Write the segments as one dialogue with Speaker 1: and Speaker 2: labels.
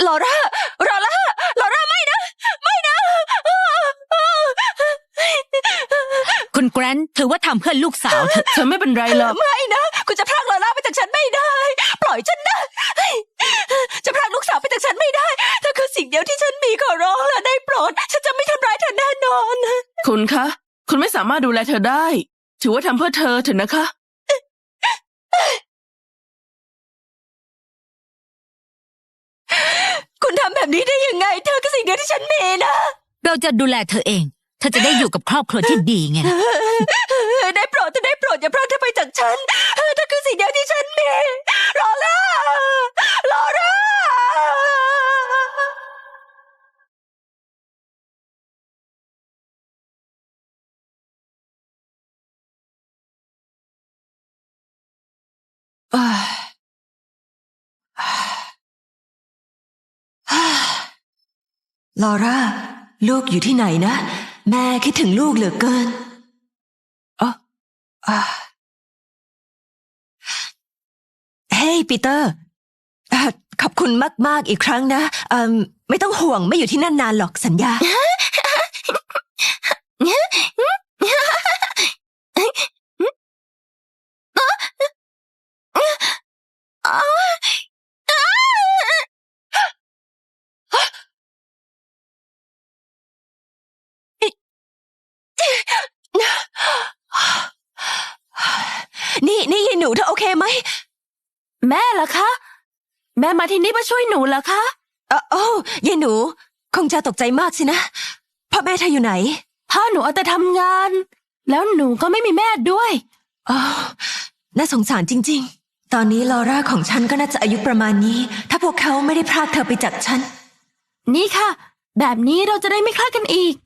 Speaker 1: ลอร่าไม่นะ
Speaker 2: คุณแกรนท์ถือว่าทำเพื่อลูกสาวเธอ
Speaker 3: เธอไม่เป็นไรหรอก
Speaker 1: ไม่นะคุณจะพรากลอร่าไปจากฉันไม่ได้ปล่อยฉันนะจะพรากลูกสาวไปจากฉันไม่ได้เธอคือสิ่งเดียวที่ฉันมีขอร้องแล้วได้โปรดฉันจะไม่ทำร้ายเธอแน่นอน
Speaker 3: คุณคะคุณไม่สามารถดูแลเธอได้ถือว่าทำเพื่อเธอเถอะนะคะ
Speaker 1: คุณทำแบบนี้ได้ยังไงเธอคือสิ่งเดียวที่ฉันมีนะ
Speaker 2: เราจะดูแลเธอเองเธอจะได้อยู่กับครอบครัวที่ดีไงล่ะ
Speaker 1: ได้โปรดอย่าพรากเธอไปจากฉันเธอคือสิ่งเดียวที่ฉันมีลอร่า ลอร่าลูกอยู่ที่ไหนนะแม่คิดถึงลูกเหลือเกินเฮ้ยปีเตอร์ขอบคุณมากๆอีกครั้งนะไม่ต้องห่วงไม่อยู่ที่นั่นนานหรอกสัญญา นี่ยายหนูเธอโอเคไหม
Speaker 3: แม่ล่ะคะแม่มาที่นี่มาช่วยหนูเหรอคะ
Speaker 1: โอ้ยายหนูคงจะตกใจมากสินะพ่อแม่เธออยู่ไหน
Speaker 3: พ่อหนูเอาแต่ทำงานแล้วหนูก็ไม่มีแม่ด้วย
Speaker 1: น่าสงสารจริงๆตอนนี้ลอร่าของฉันก็น่าจะอายุประมาณนี้ถ้าพวกเขาไม่ได้พรากเธอไปจากฉัน
Speaker 3: นี่ค่ะแบบนี้เราจะได้ไม่คลาดกันอีก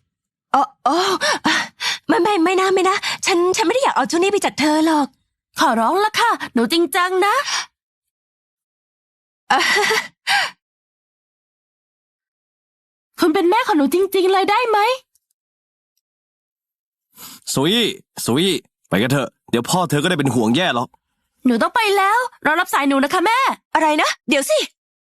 Speaker 1: ไม่นะฉันไม่ได้อยากเอาเจ้านี่ไปจากเธอหรอก
Speaker 3: ขอร้องละค่ะหนูจริงจังนะ คุณเป็นแม่ของหนูจริงๆเลยได้ไหม
Speaker 4: ซุยไปกันเถอะเดี๋ยวพ่อเธอก็ได้เป็นห่วงแย่หรอก
Speaker 3: หนูต้องไปแล้วรอรับสายหนูนะคะแม่
Speaker 1: อะไรนะเดี๋ยวสิ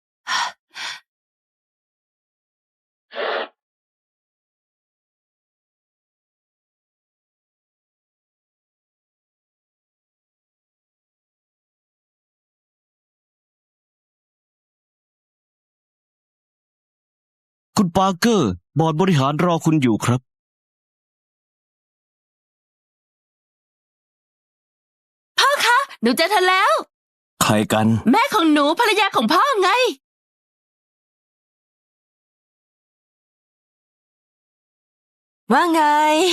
Speaker 4: คุณปาร์เกอร์บอร์ดบริหารรอคุณอยู่ครับ
Speaker 3: พ่อคะหนูเจอเธอแล้ว
Speaker 4: ใครกัน
Speaker 3: แม่ของหนูภรรยาของพ่อไง
Speaker 1: ว่าไง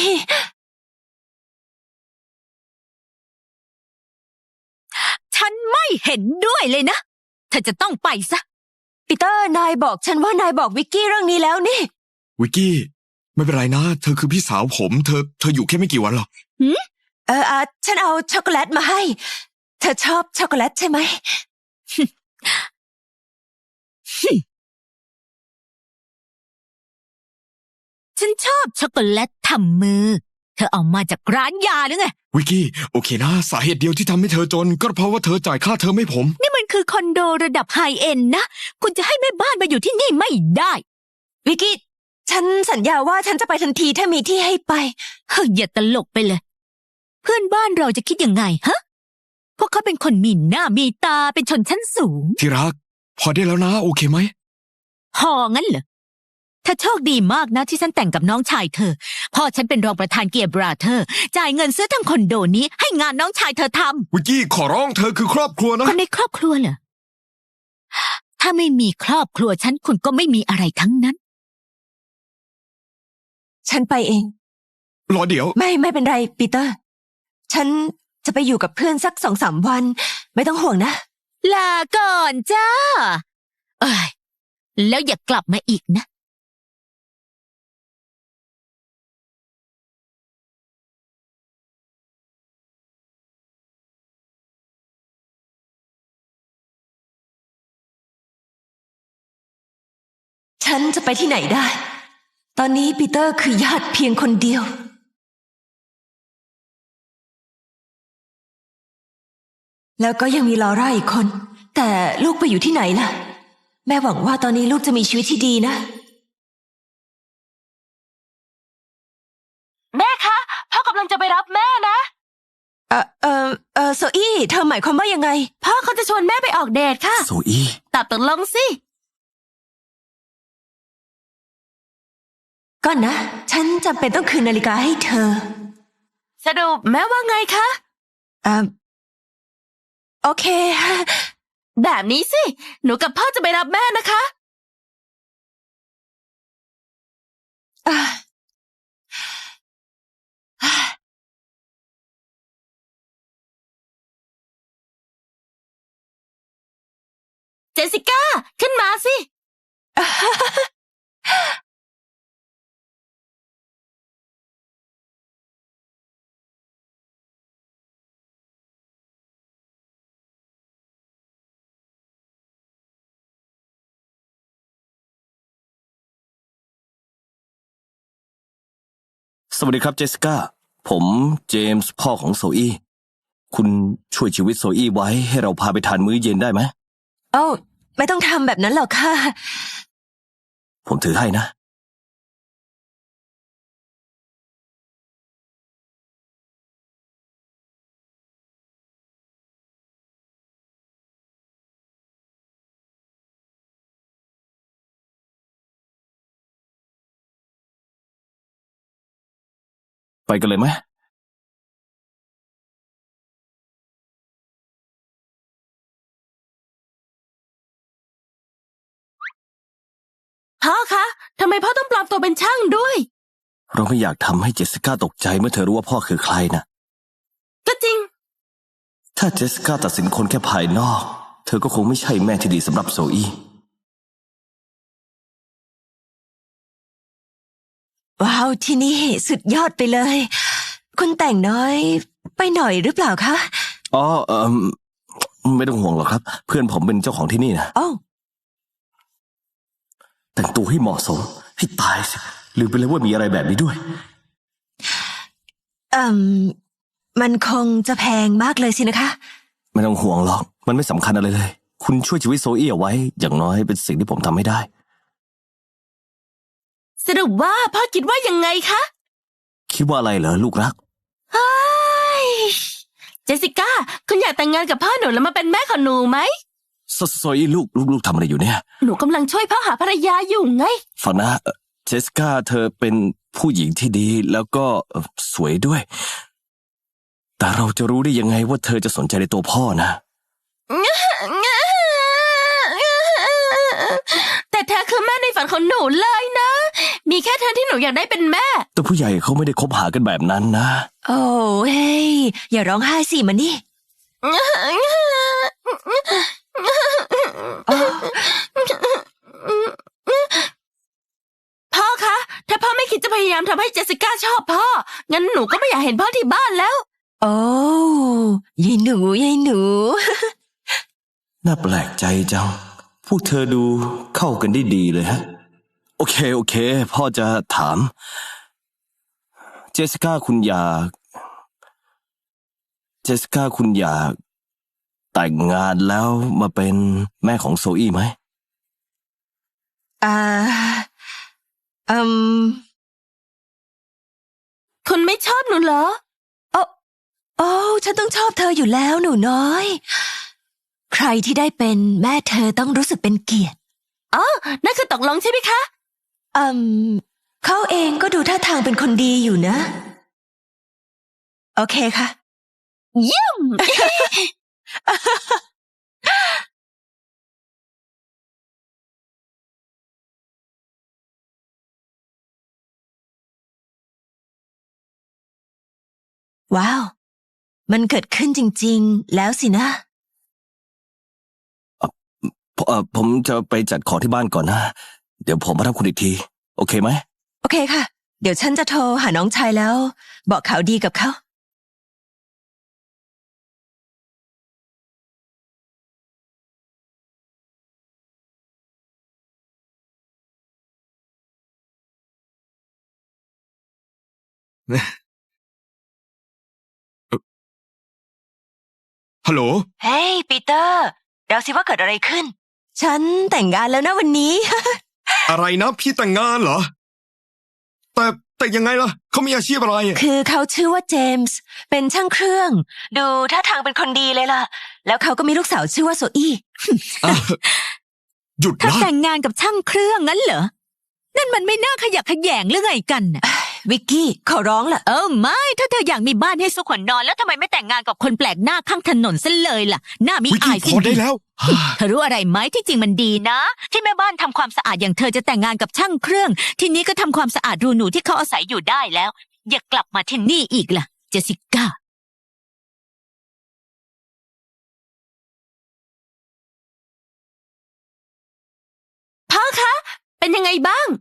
Speaker 2: ฉันไม่เห็นด้วยเลยนะเธอจะต้องไปซะ
Speaker 1: ปีเตอร์นายบอกฉันว่านายบอกวิกกี้เรื่องนี้แล้วนี่
Speaker 5: วิกกี้ไม่เป็นไรนะเธอคือพี่สาวผมเธออยู่แค่ไม่กี่วันหรอก
Speaker 1: ฉันเอาช็อกโกแลตมาให้เธอชอบช็อกโกแลตใช่ไหม
Speaker 2: ฉันชอบช็อกโกแลตทำมือเธอเอามาจากร้านยาหรือไง
Speaker 5: วิกกี้โอเคนะสาเหตุเดียวที่ทำให้เธอจนก็เพราะว่าเธอจ่ายค่าเทอมให้ผม
Speaker 2: นี่มันคือคอนโดระดับไฮเอ็นนะคุณจะให้แม่บ้านมาอยู่ที่นี่ไม่ได้
Speaker 1: วิกกี้ฉันสัญญาว่าฉันจะไปทันทีถ้ามีที่ให้ไป
Speaker 2: เฮ้ยอย่าตลกไปเลย เพื่อนบ้านเราจะคิดยังไงฮะพวกเขาเป็นคนมีหน้ามีตาเป็นชนชั้นสูง
Speaker 5: ที่รักพอได้แล้วนะโอเคไหม
Speaker 2: พองั้นเหรอเธอโชคดีมากนะที่ฉันแต่งกับน้องชายเธอพ่อฉันเป็นรองประธานเกียร์บราเธอร์จ่ายเงินซื้อทั้งคอนโดนี้ให้งานน้องชายเธอทำ
Speaker 5: วิกกี้ขอร้องเธอคือครอบครัวนะ
Speaker 2: คนในครอบครัวเหรอถ้าไม่มีครอบครัวฉันคุณก็ไม่มีอะไรทั้งนั้น
Speaker 1: ฉันไปเอง
Speaker 5: รอเดี๋ยว
Speaker 1: ไม่เป็นไรปีเตอร์ฉันจะไปอยู่กับเพื่อนสัก2-3 วันไม่ต้องห่วงนะ
Speaker 2: ลาก่อนจ้าเอ้ยแล้วอย่ากลับมาอีกนะ
Speaker 1: ฉันจะไปที่ไหนได้ตอนนี้ปีเตอร์คือญาติเพียงคนเดียวแล้วก็ยังมีลอร่าอีกคนแต่ลูกไปอยู่ที่ไหนล่ะแม่หวังว่าตอนนี้ลูกจะมีชีวิตที่ดีนะ
Speaker 3: แม่คะพ่อกำลังจะไปรับแม่นะ
Speaker 1: โซอี้เธอหมายความว่ายังไง
Speaker 3: พ่อเขาจะชวนแม่ไปออกเดทค่ะ
Speaker 4: โซอี้
Speaker 3: ตอบตกลงสิ
Speaker 1: ก่อนนะ ฉันจำเป็นต้องคืนนาฬิกาให้เธอ
Speaker 3: สรุปแม่ว่าไงคะ
Speaker 1: โอเค
Speaker 3: แบบนี้สิ หนูกับพ่อจะไปรับแม่นะคะ
Speaker 1: อ่ะ
Speaker 3: เจสสิก้า ขึ้นมาสิ
Speaker 4: สวัสดีครับเจสสิก้า ผมเจมส์พ่อของโซอี้ คุณช่วยชีวิตโซอี้ไว้ให้เราพาไปทานมื้อเย็นได้ไหม
Speaker 1: โอ้ไม่ต้องทำแบบนั้นหรอกค่ะ
Speaker 4: ผมถือให้นะ ไปกันเลยไหม
Speaker 3: พ่อคะทำไมพ่อต้องปลอมตัวเป็นช่างด้วย
Speaker 4: เราไม่อยากทำให้เจสสิก้าตกใจเมื่อเธอรู้ว่าพ่อคือใครนะ
Speaker 3: ก็จริง
Speaker 4: ถ้าเจสสิก้าตัดสินคนแค่ภายนอก เธอก็คงไม่ใช่แม่ที่ดีสำหรับโซอี้
Speaker 1: ว้าวที่นี่สุดยอดไปเลย คุณแต่งน้อยไปหน่อยหรือเปล่าคะ
Speaker 4: อ๋อไม่ต้องห่วงหรอกครับ เพื่อนผมเป็นเจ้าของที่นี่นะ
Speaker 1: โอ้
Speaker 4: แต่งตัวให้เหมาะสมให้ตายสิลืมไปเลยว่ามีอะไรแบบนี้ด้วย
Speaker 1: มันคงจะแพงมากเลยสินะคะ
Speaker 4: ไม่ต้องห่วงหรอก มันไม่สำคัญอะไรเลย คุณช่วยชีวิตโซอี้เอาไว้ อย่างน้อยเป็นสิ่งที่ผมทำไม่ได้
Speaker 3: สรุปว่าพ่อคิดว่ายังไงคะ
Speaker 4: คิดว่าอะไรเหรอลูกรัก
Speaker 3: เฮ้ยเจสสิก้า คุณอยากแต่งงานกับพ่อหนูแล้วมาเป็นแม่ของหนูไหม
Speaker 4: โซอี้ลูกทำอะไรอยู่เนี่ย
Speaker 3: หนูกำลังช่วยพ่อหาภรรยาอยู่ไง
Speaker 4: ฟังนะเจสสิก้าเธอเป็นผู้หญิงที่ดีแล้วก็สวยด้วย แต่เราจะรู้ได้ยังไงว่าเธอจะสนใจในตัวพ่อนะ
Speaker 3: แต่เธอคือแม่ในฝันของหนูเลยนะ มีแค่เธอที่หนูอยากได้เป็นแม่
Speaker 4: แต่ผู้ใหญ่เขาไม่ได้คบหากันแบบนั้นนะ
Speaker 1: โอ้เฮ้ยอย่าร้องไห้สิมันนี่อ๋อ
Speaker 3: พ่อคะ ถ้าพ่อไม่คิดจะพยายามทำให้เจสสิก้าชอบพ่อ งั้นหนูก็ไม่อยากเห็นพ่อที่บ้านแล้ว
Speaker 1: โอ้ยายหนูยายหนู
Speaker 4: น่าแปลกใจจัง พวกเธอดูเข้ากันได้ดีเลยฮะ โอเค พ่อจะถาม เจสสิก้าคุณอยากแต่งงานแล้วมาเป็นแม่ของโซอี้ไหม
Speaker 1: อ่า
Speaker 3: คุณไม่ชอบหนูเหรอ
Speaker 1: โอ้ฉันต้องชอบเธออยู่แล้วหนูน้อย ใครที่ได้เป็นแม่เธอต้องรู้สึกเป็นเกียรติ
Speaker 3: อ๋อ นั่นคือตกลงใช่ไหมคะ
Speaker 1: เขาเองก็ดูท่าทางเป็นคนดีอยู่นะ โอเคค่ะ
Speaker 3: เยี่ยม
Speaker 1: ว้าว มันเกิดขึ้นจริงๆ แล้วสินะ
Speaker 4: ผมจะไปจัดของที่บ้านก่อนนะ เดี๋ยวผมมารับคุณอีกที โอเคไหม
Speaker 1: โอเคค่ะ เดี๋ยวฉันจะโทรหาน้องชายแล้ว บอกข่าวดีกับเขา
Speaker 5: ฮัลโหล
Speaker 1: เฮ้ยปีเตอร์เดาสิว่าเกิดอะไรขึ้นฉันแต่งงานแล้วนะวันนี้
Speaker 5: อะไรนะพี่แต่งงานเหรอ แต่ยังไงล่ะเขามีอาชีพอะไรอะ
Speaker 1: คือเขาชื่อว่าเจมส์เป็นช่างเครื่อง ดูท่าทางเป็นคนดีเลยล่ะ แล้วเขาก็มีลูกสาวชื่อว่าโซอี้
Speaker 5: อ่ะหยุด
Speaker 2: ถ้า
Speaker 5: นะ
Speaker 2: แต่งงานกับช่างเครื่องงั้นเหรอ นั่นมันไม่น่าขยักขยแยงหรือไงกันน่ะ
Speaker 1: วิกกี้ขอร้องล่ะ
Speaker 2: ไม่ ถ้าเธออยากมีบ้านให้สุขนอนแล้วทำไมไม่แต่งงานกับคนแปลกหน้าข้างถนนซะเลยล่ะ หน้ามี
Speaker 5: วิก
Speaker 2: อา
Speaker 5: กี้
Speaker 2: ย
Speaker 5: พ
Speaker 2: สิ้
Speaker 5: อน ได้
Speaker 2: ดี
Speaker 5: แล้ว
Speaker 2: เธอรู้อะไรไหมที่จริงมันดีนะ ที่แม่บ้านทำความสะอาดอย่างเธอจะแต่งงานกับช่างเครื่อง ทีนี้ก็ทำความสะอาดรูหนูที่เขาอาศัยอยู่ได้แล้ว อย่ากลับมาที่นี่อีกล่ะ เจสสิก้า
Speaker 3: พ่อคะ เป็นยังไงบ้าง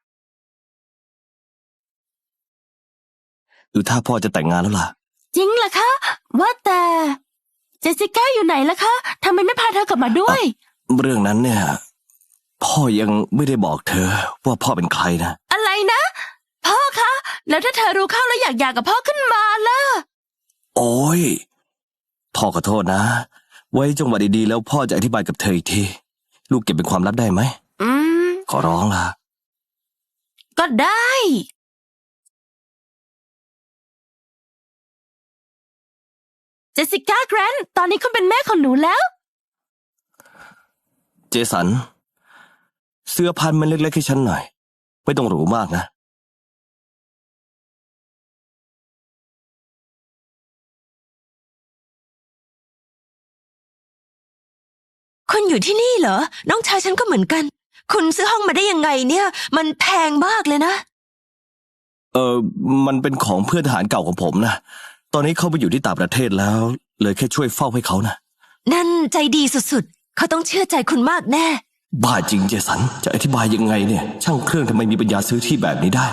Speaker 4: ดูถ้าพ่อจะแต่งงานแล้วล่ะ
Speaker 3: จริงเหรอคะ ว่าแต่เจสสิก้าอยู่ไหนล่ะคะทำไมไม่พาเธอกลับมาด้วย
Speaker 4: เรื่องนั้นเนี่ย พ่อยังไม่ได้บอกเธอว่าพ่อเป็นใครนะ
Speaker 3: อะไรนะ พ่อคะ แล้วถ้าเธอรู้เข้าแล้วอยากหย่ากับพ่อขึ้นมาล่ะ
Speaker 4: โอ้ยพ่อขอโทษนะ ไว้จังหวะดีๆแล้วพ่อจะอธิบายกับเธออีกที ลูกเก็บเป็นความลับได้ไหม
Speaker 3: อืม
Speaker 4: ขอร้องล่ะ
Speaker 3: ก็ได้ เจสสิก้าแกรนท์ตอนนี้คุณเป็นแม่ของหนูแล้ว
Speaker 4: เจสัน เสื้อพันมันเล็กๆให้ฉันหน่อย ไม่ต้องหรูมากนะ
Speaker 1: คุณอยู่ที่นี่เหรอ น้องชายฉันก็เหมือนกัน คุณซื้อห้องมาได้ยังไงเนี่ย มันแพงมากเลยนะ
Speaker 4: มันเป็นของเพื่อนทหารเก่าของผมนะ ตอนนี้เขาไปอยู่ที่ต่างประเทศแล้ว เลยแค่ช่วยเฝ้าให้เขานะ
Speaker 1: นั่นใจดีสุดๆ เขาต้องเชื่อใจคุณมากแน่
Speaker 4: บ้าจริงเจสัน จะอธิบายยังไงเนี่ย ช่างเครื่องทำไมมีปัญญาซื้อที่แบบนี้ได้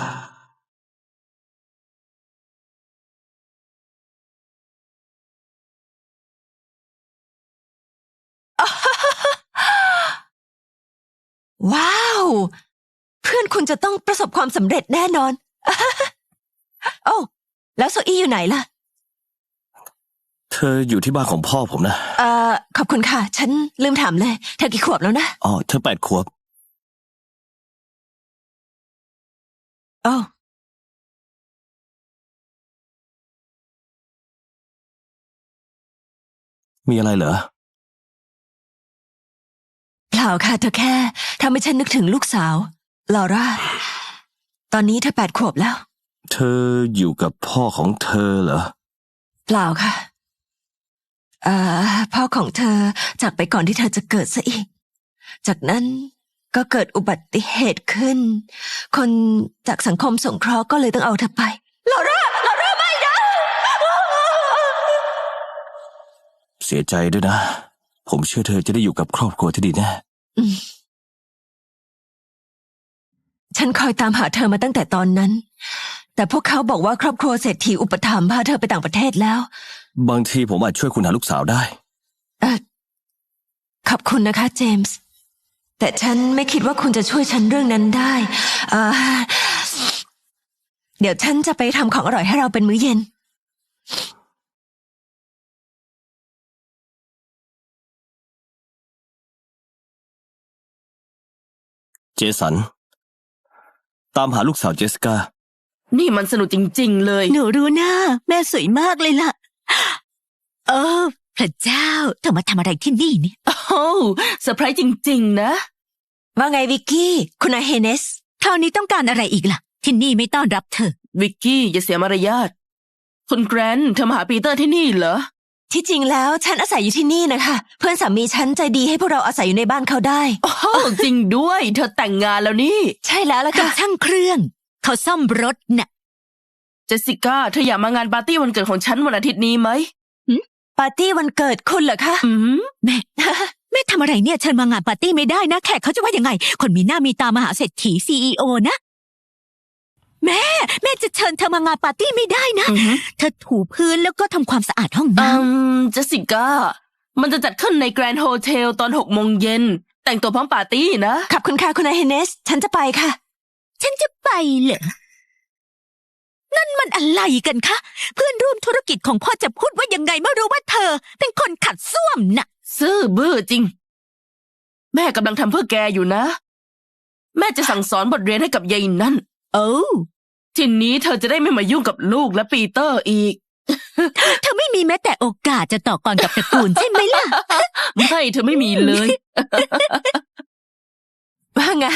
Speaker 1: ว้าว เพื่อนคุณจะต้องประสบความสำเร็จแน่นอน โอ้แล้วโซอี้อยู่ไหนล่ะ
Speaker 4: เธออยู่ที่บ้านของพ่อผมนะ
Speaker 1: ขอบคุณค่ะ ฉันลืมถามเลย เธอกี่ขวบแล้วนะ
Speaker 4: อ๋อ เธอ8 ขวบ
Speaker 1: โอ้
Speaker 4: มีอะไรเหรอ
Speaker 1: เปล่าค่ะเธอแค่ทำให้ฉันนึกถึงลูกสาวลอร่า ตอนนี้เธอ8 ขวบแล้ว
Speaker 4: เธออยู่กับพ่อของเธอเหรอ
Speaker 1: เปล่าค่ะ พ่อของเธอจากไปก่อนที่เธอจะเกิดซะอีก จากนั้นก็เกิดอุบัติเหตุขึ้น คนจากสังคมสงเคราะห์ก็เลยต้องเอาเธอไปลอร่าไม่นะ
Speaker 4: เสียใจด้วยนะ ผมเชื่อเธอจะได้อยู่กับครอบครัวที่ดีแน่
Speaker 1: ฉันคอยตามหาเธอมาตั้งแต่ตอนนั้น แต่พวกเขาบอกว่าครอบครัวเศรษฐีอุปถัมภ์พาเธอไปต่างประเทศแล้ว
Speaker 4: บางทีผมอาจช่วยคุณหาลูกสาวได้
Speaker 1: ขอบคุณนะคะเจมส์ แต่ฉันไม่คิดว่าคุณจะช่วยฉันเรื่องนั้นได้ เดี๋ยวฉันจะไปทำของอร่อยให้เราเป็นมื้อเย็น
Speaker 4: เจสัน ตามหาลูกสาวเจสสิก้า
Speaker 3: นี่มันสนุกจริงๆเลย
Speaker 2: หนูรู้นะแม่สวยมากเลยล่ะ พระเจ้าเธอมาทำอะไรที่นี่เนี่ย
Speaker 3: โอ้โหเซอร์ไพรส์จริงๆนะ
Speaker 1: ว่าไงวิกกี้ คุณอาเฮเนส
Speaker 2: คราวนี้ต้องการอะไรอีกล่ะ ที่นี่ไม่ต้อนรับเธอ
Speaker 3: วิกกี้อย่าเสียมารยาท คุณแกรนท์เธอมาหาปีเตอร์ที่นี่เหรอ
Speaker 1: ที่จริงแล้วฉันอาศัยอยู่ที่นี่นะคะ เพื่อนสามีฉันใจดีให้พวกเราอาศัยอยู่ในบ้านเขาได้
Speaker 3: โอ้โหจริงด้วย เธอแต่งงานแล้วนี่
Speaker 1: ใช่แล้วล่ะ
Speaker 2: กับ
Speaker 1: ค่ะ
Speaker 2: ช่างเครื่อง เขาซ่อมรถน่ะ
Speaker 3: เจสสิก้าเธออยากมางานปาร์ตี้วันเกิดของฉันวันอาทิตย์นี้ไหม
Speaker 1: ปาร์ตี้วันเกิดคุณเหรอคะ
Speaker 3: อืม
Speaker 2: แม่ทำอะไรเนี่ยเชิญมางานปาร์ตี้ไม่ได้นะแขกเขาจะว่ายังไง คนมีหน้ามีตามหาเศรษฐี CEO นะ แม่จะเชิญเธอมางานปาร์ตี้ไม่ได้นะ เธอถูพื้นแล้วก็ทำความสะอาดห้องน้
Speaker 3: เจสสิก้า มันจะจัดขึ้นในแกรนด์โฮเทลตอน6 โมงเย็น แต่งตัวพร้อมปาร์ตี้นะ
Speaker 1: ขอบคุณค่ะคุณอาเฮเนส ฉันจะไปค่ะ
Speaker 2: ำฉันจะไปเหรอ นั่นมันอะไรกันคะ เพื่อนร่วมธุรกิจของพ่อจะพูดว่ายังไงไม่รู้ว่าเธอ เป็นคนขัดส้วมน่ะ
Speaker 3: ซื่อบื้อจริงแม่กำลังทำเพื่อแกอยู่นะ แม่จะสั่งสอนบทเรียนให้กับยายนั่น
Speaker 2: โอ้
Speaker 3: ทีนี้เธอจะได้ไม่มายุ่งกับลูกและปีเตอร์อีก
Speaker 2: เธอไม่มีแม้แต่โอกาสจะต่อกรกับตระกูลใช่ไหมล่ะ
Speaker 3: ไม่เธอไม่มีเลย
Speaker 1: ว่าไง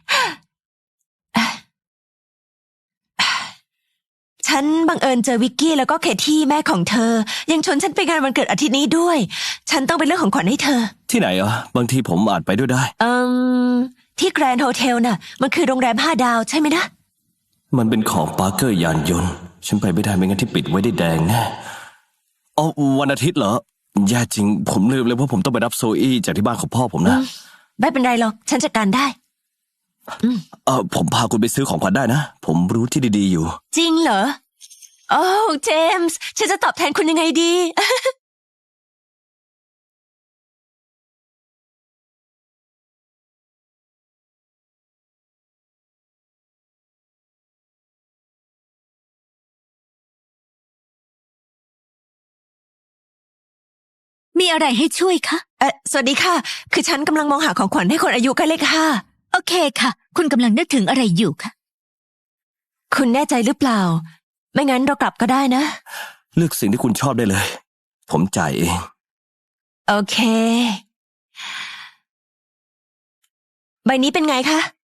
Speaker 1: ฉันบังเอิญเจอวิกกี้แล้วก็เคที่แม่ของเธอ ยังชวนฉันไปงานวันเกิดอาทิตย์นี้ด้วย ฉันต้องไปเลือกของขวัญให้เธอ
Speaker 4: ที่ไหนอ่ะบางทีผมอาจไปด้วยได้
Speaker 1: ที่แกรนด์โฮเทลน่ะ มันคือโรงแรม5 ดาวใช่ไหมนะ
Speaker 4: มันเป็นของปาร์เกอร์ยานยนต์ ฉันไปไม่ได้ไม่งั้นที่ปิดไว้ได้แดงแน่อ๋อวันอาทิตย์เหรอแย่จริง ผมลืมเลยว่าผมต้องไปรับโซอี้จากที่บ้านของพ่อผมนะ
Speaker 1: ไม่เป็นไรหรอก ฉันจัดการได้
Speaker 4: ผมพาคุณไปซื้อของขวัญได้นะ ผมรู้ที่ดีๆอยู่
Speaker 1: จริงเหรอ โอ้เจมส์ ฉันจะตอบแทนคุณยังไงดี
Speaker 2: มีอะไรให้ช่วยคะ
Speaker 1: สวัสดีค่ะ คือฉันกำลังมองหาของขวัญให้คนอายุใกล้เลข 5
Speaker 2: โอเคค่ะ คุณกำลังนึกถึงอะไรอยู่คะ
Speaker 1: คุณแน่ใจหรือเปล่า ไม่งั้นเรากลับก็ได้นะ
Speaker 4: เลือกสิ่งที่คุณชอบได้เลย ผมจ่ายเอง
Speaker 1: โอเค ใบนี้เป็นไงคะ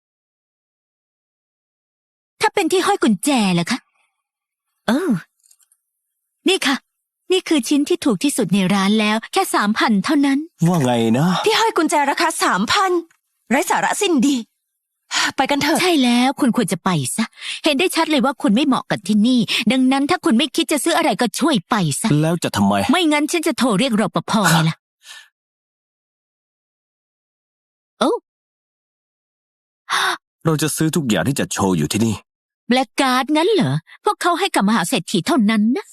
Speaker 2: ถ้าเป็นที่ห้อยกุญแจเหรอคะเออนี่ค่ะ นี่คือชิ้นที่ถูกที่สุดในร้านแล้ว แค่3,000เท่านั้น
Speaker 4: ว่าไงนะ
Speaker 1: ที่ห้อยกุญแจราคา 3,000 ไร้สาระสิ้นดี ไปกันเถอะ
Speaker 2: ใช่แล้วคุณควรจะไปซะ เห็นได้ชัดเลยว่าคุณไม่เหมาะกับที่นี่ ดังนั้นถ้าคุณไม่คิดจะซื้ออะไรก็ช่วยไปซะ
Speaker 4: แล้วจะทำไม
Speaker 2: ไม่งั้นฉันจะโทรเรียกรปภไงล่ะ โอ้
Speaker 4: เราจะซื้อทุกอย่างที่จะโชว์อยู่ที่นี่
Speaker 2: แบล็กการ์ดงั้นเหรอ พวกเขาให้กับมหาเศรษฐีเท่านั้นนะ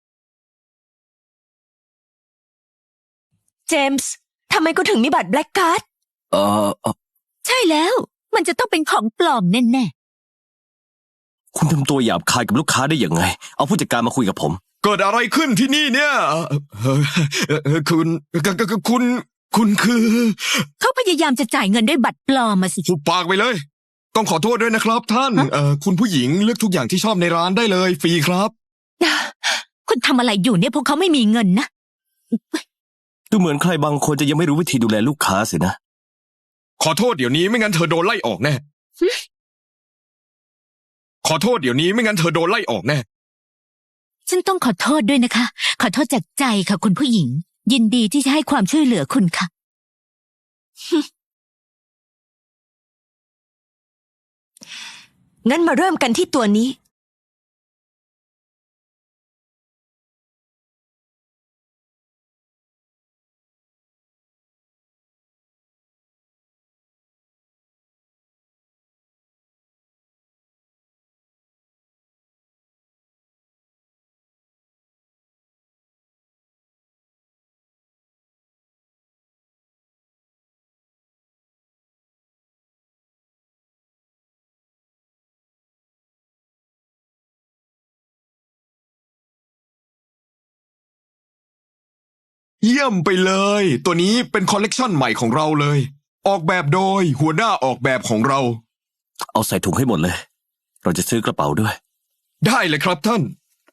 Speaker 1: เจมส์ ทำไมคุณถึงมีบัตรแบล็กการ์ด
Speaker 4: เอ่อ
Speaker 2: ใช่แล้ว มันจะต้องเป็นของปลอมแน่
Speaker 4: คุณทำตัวหยาบคายกับลูกค้าได้ยังไง เอาผู้จัดการมาคุยกับผม
Speaker 5: เกิดอะไรขึ้นที่นี่เนี่ยคุณคือ
Speaker 2: ๆเขาพยายามจะจ่ายเงินด้วยบัตรปลอมมาสิ
Speaker 5: หุบปากไปเลย ต้องขอโทษด้วยนะครับ ท่าน คุณผู้หญิงเลือกทุกอย่างที่ชอบในร้านได้เลยฟรีครับ
Speaker 2: คุณทำอะไรอยู่เนี่ยพวกเขาไม่มีเงินนะ
Speaker 4: ดูเหมือนใครบางคนจะยังไม่รู้วิธีดูแลลูกค้าสินะ
Speaker 5: ขอโทษเดี๋ยวนี้ไม่งั้นเธอโดนไล่ออกแน่ ขอโทษเดี๋ยวนี้ไม่งั้นเธอโดนไล่ออกแน่
Speaker 2: ฉันต้องขอโทษด้วยนะคะ ขอโทษจากใจค่ะคุณผู้หญิง ยินดีที่จะให้ความช่วยเหลือคุณค่ะ
Speaker 1: งั้นมาเริ่มกันที่ตัวนี้
Speaker 5: เยี่ยมไปเลย ตัวนี้เป็นคอลเลกชันใหม่ของเราเลย ออกแบบโดยหัวหน้าออกแบบของเรา
Speaker 4: เอาใส่ถุงให้หมดเลย เราจะซื้อกระเป๋าด้วย
Speaker 5: ได้เลยครับท่าน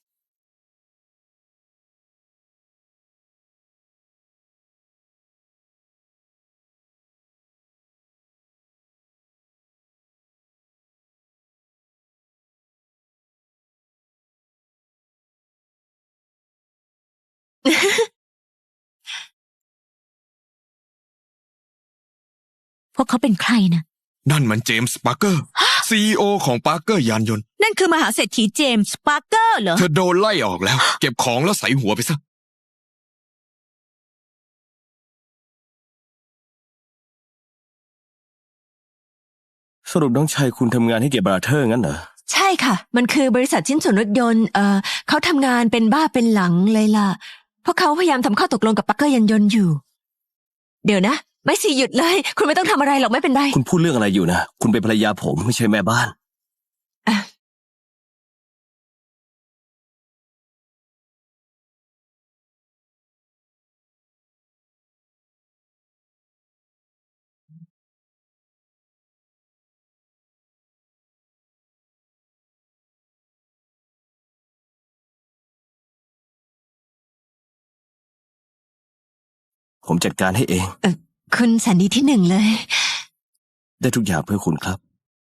Speaker 2: พวกเขาเป็นใครนะ
Speaker 5: นั่นมันเจมส์ปาร์เกอร์ CEO ของปาร์เกอร์ยานยนต์
Speaker 2: นั่นคือมหาเศรษฐีเจมส์ปาร์เกอร์เหรอ
Speaker 5: เธอโดนไล่ออกแล้ว เก็บของแล้วใส่หัวไปซะ
Speaker 4: สรุปน้องชายคุณทำงานให้เกียรติบราเธอร์งั้นเหรอ
Speaker 1: ใช่ค่ะ มันคือบริษัทชิ้นส่วนรถยนต์ เขาทำงานเป็นบ้าเป็นหลังเลยล่ะ เพราะเขาพยายามทำข้อตกลงกับปักเกอร์ยันยนต์อยู่ เดี๋ยวนะ ไม่สิหยุดเลย คุณไม่ต้องทำอะไรหรอกไม่เป็นไร
Speaker 4: คุณพูดเรื่องอะไรอยู่นะ คุณเป็นภรรยาผมไม่ใช่แม่บ้านผมจัดการให้เอง
Speaker 1: คุณแสนดีที่หนึ่งเลย
Speaker 4: ได้ทุกอย่างเพื่อคุณครับ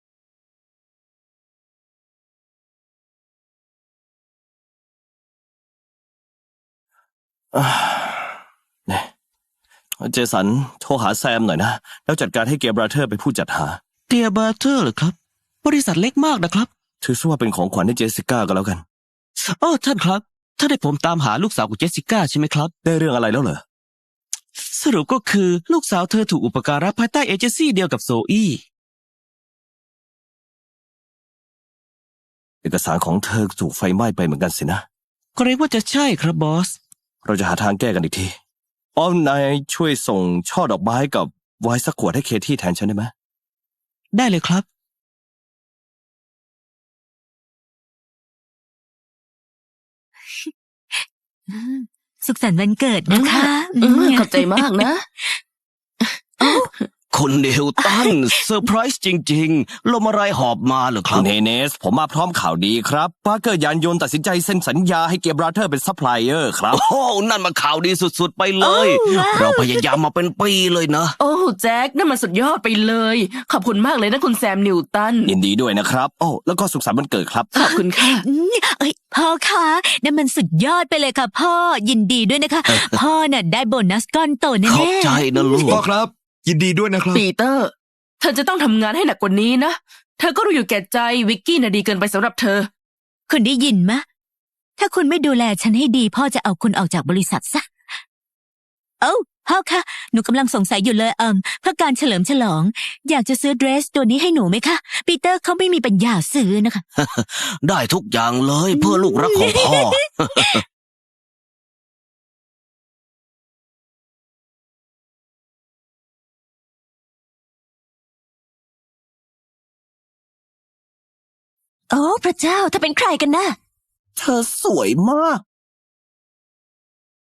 Speaker 4: เนี่ยเจสันโทรหาแซมหน่อยนะ แล้วจัดการให้เกียร์บราเธอร์เป็นผู้จัดหา
Speaker 6: เตียบาร์เทอร์เหรอครับ บริษัทเล็กมากนะครับ
Speaker 4: ถือซะว่าเป็นของขวัญให้เจสสิก้าก็แล้วกัน
Speaker 6: อ้อท่านครับ ถ้าได้ผมตามหาลูกสาวของเจสสิก้าใช่ไหมครับ
Speaker 4: ได้เรื่องอะไรแล้วเหรอ
Speaker 6: สรุปก็คือลูกสาวเธอถูกอุปการะภายใต้เอเจนซี่เดียวกับโซอี้
Speaker 4: เอกสารของเธอถูกไฟไหม้ไปเหมือนกันสินะ
Speaker 6: เกรงว่าจะใช่ครับบอส
Speaker 4: เราจะหาทางแก้กันอีกทีอ้อมนายช่วยส่งช่อดอกไม้กับไวน์สักขวดให้เคที่แทนฉันได้ไหม
Speaker 6: ได้เลยครับ
Speaker 2: สุขสันต์วันเกิดนะคะ
Speaker 3: ขอบใจมากนะ
Speaker 6: คุณนิวตันเซอร์ไพรส์จริงๆลมอะไรหอบมาเหรอค
Speaker 4: คุ
Speaker 6: รับ
Speaker 4: ณเฮเนส ผมมาพร้อมข่าวดีครับปาร์เกอร์ยานยนต์ตัดสินใจเซ็นสัญญาให้เกียร์บราเธอร์เป็นซัพพลายเออร์ครับ
Speaker 6: โอ้นั่นมาข่าวดีสุดๆไปเลย เราพยายามมาเป็นปีเลยนะ
Speaker 3: โอ้แจ็คนั่นมันสุดยอดไปเลย ขอบคุณมากเลยนะคุณแซมนิวตัน
Speaker 4: ยินดีด้วยนะครับ โอ้แล้วก็สุขสันต์วันเกิดครับ
Speaker 3: ขอบคุณค่ะ
Speaker 2: เอ้ยพ่อคะนั่นมันสุดยอดไปเลยค่ะพ่อยินดีด้วยนะคะ พ่อน่ะได้โบนัสก้อนโตแน่
Speaker 6: ขอบใจนะลูก
Speaker 5: พ่อครับ ยินดีด้วยนะครับ
Speaker 3: ปีเตอร์ เธอจะต้องทำงานให้หนักกว่านี้นะ เธอก็รู้อยู่แก่ใจวิกกี้น่ะดีเกินไปสำหรับเธอ
Speaker 2: คุณได้ยินมะ ถ้าคุณไม่ดูแลฉันให้ดี พ่อจะเอาคุณออกจากบริษัทซะ เอ้าพ่อคะหนูกำลังสงสัยอยู่เลยเพื่อการเฉลิมฉลอง อยากจะซื้อเดรสตัวนี้ให้หนูไหมคะปีเตอร์เขาไม่มีปัญญาซื้อนะคะ
Speaker 6: ได้ทุกอย่างเลยเพื่อลูกรักของพ่อ
Speaker 1: โอ้พระเจ้าถ้าเป็นใครกันนะ
Speaker 4: เธอสวยมาก